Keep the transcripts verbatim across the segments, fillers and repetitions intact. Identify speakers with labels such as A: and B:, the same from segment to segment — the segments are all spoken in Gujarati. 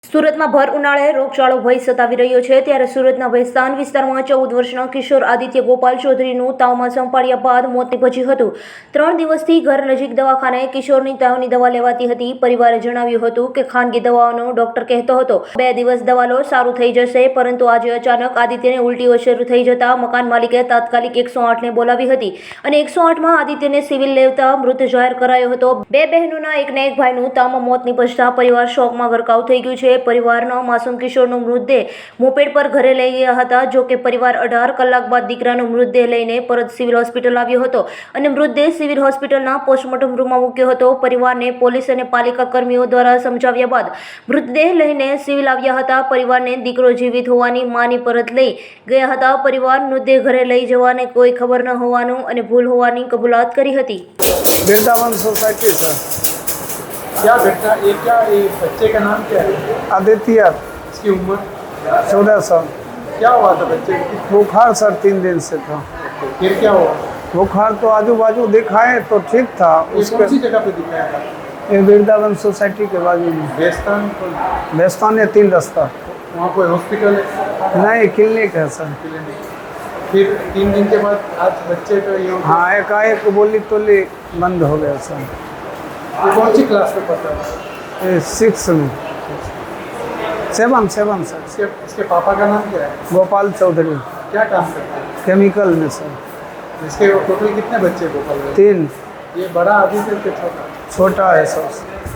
A: સુરતમાં ભર ઉનાળે રોગચાળો ભય સતાવી રહ્યો છે ત્યારે સુરતના ભેસ્તાન વિસ્તારમાં ચૌદ વર્ષના કિશોર આદિત્ય ગોપાલ ચૌધરીનું તાવમાં સંપાડ્યા બાદ મોત નીપજ્યું હતું। ત્રણ દિવસથી ઘર નજીક દવાખાને કિશોરની તાવની દવા લેવાતી હતી। પરિવારે જણાવ્યું હતું કે ખાનગી દવાઓનો ડોક્ટર કહેતો હતો બે દિવસ દવા લો સારું થઈ જશે, પરંતુ આજે અચાનક આદિત્યને ઉલટીઓ શરૂ થઈ જતા મકાન માલિકે તાત્કાલિક એકસો આઠને બોલાવી હતી અને એકસો આઠમાં આદિત્યને સિવિલ લેવતા મૃત જાહેર કરાયો હતો। બે બહેનોના એકને એક ભાઈનું તાવમાં મોત નીપજતા પરિવાર શોકમાં ગરકાવ થઈ ગયું છે। પરિવારનો માસૂમ કિશોરનો મૃતદેહ મોપેડ પર ઘરે લઈ ગયા હતા। જો કે પરિવાર અઢાર કલાક બાદ દીકરાનો મૃતદેહ લઈને પરત સિવિલ હોસ્પિટલ આવ્યો હતો અને મૃતદેહ સિવિલ હોસ્પિટલના પોસ્ટમોર્ટમ રૂમમાં મૂક્યો હતો। પરિવારને પોલીસ અને પાલિકા કર્મીઓ દ્વારા સમજાવ્યા બાદ મૃતદેહ લઈને સિવિલ આવ્યા હતા। પરિવારને દીકરો જીવિત હોવાની માની પરત લઈ ગયા હતા। પરિવાર મૃતદેહ ઘરે લઈ જવાને કોઈ ખબર ન હોવાનું અને ભૂલ હોવાની કબૂલાત કરી હતી।
B: Vrindavan society sir.
C: क्या घटना ये क्या ये बच्चे का नाम क्या है?
B: आदित्य।
C: इसकी उम्र
B: चौदह साल।
C: क्या हुआ था बच्चे को?
B: बुखार सर तीन दिन से था।
C: फिर क्या हुआ?
B: बुखार तो आजू बाजू दिखाए तो ठीक था।
C: ये
B: उसके
C: कौन सी जगह पे दिखाया था?
B: ये वृंदावन सोसाइटी के बाजू में
C: बेस्तान को-
B: बेस्तान है तीन रास्ता।
C: वहाँ कोई हॉस्पिटल है?
B: नहीं क्लिनिक है सर।
C: क्लिनिक। फिर तीन दिन के बाद आज बच्चे का ये हो गया।
B: हाँ एकाएक बोली तोली बंद हो गया सर।
C: ये कौन सी क्लास में पढ़ता है?
B: ये सिक्स में सेवन सेवन सर।
C: इसके इसके पापा का नाम क्या है?
B: गोपाल चौधरी
C: क्या काम करते हैं?
B: केमिकल में सर।
C: इसके टोटल कितने बच्चे गोपाल भाई?
B: तीन।
C: ये बड़ा आदित्य के छोटा?
B: छोटा है सर।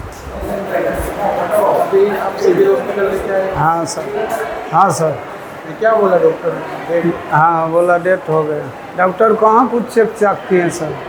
C: अभी आप सिविल हॉस्पिटल लेके आए?
B: हाँ सर। हाँ सर।
C: ये क्या बोला डॉक्टर ने?
B: हाँ बोला डेथ हो गया। डॉक्टर कहाँ कुछ चेक चाक किए सर।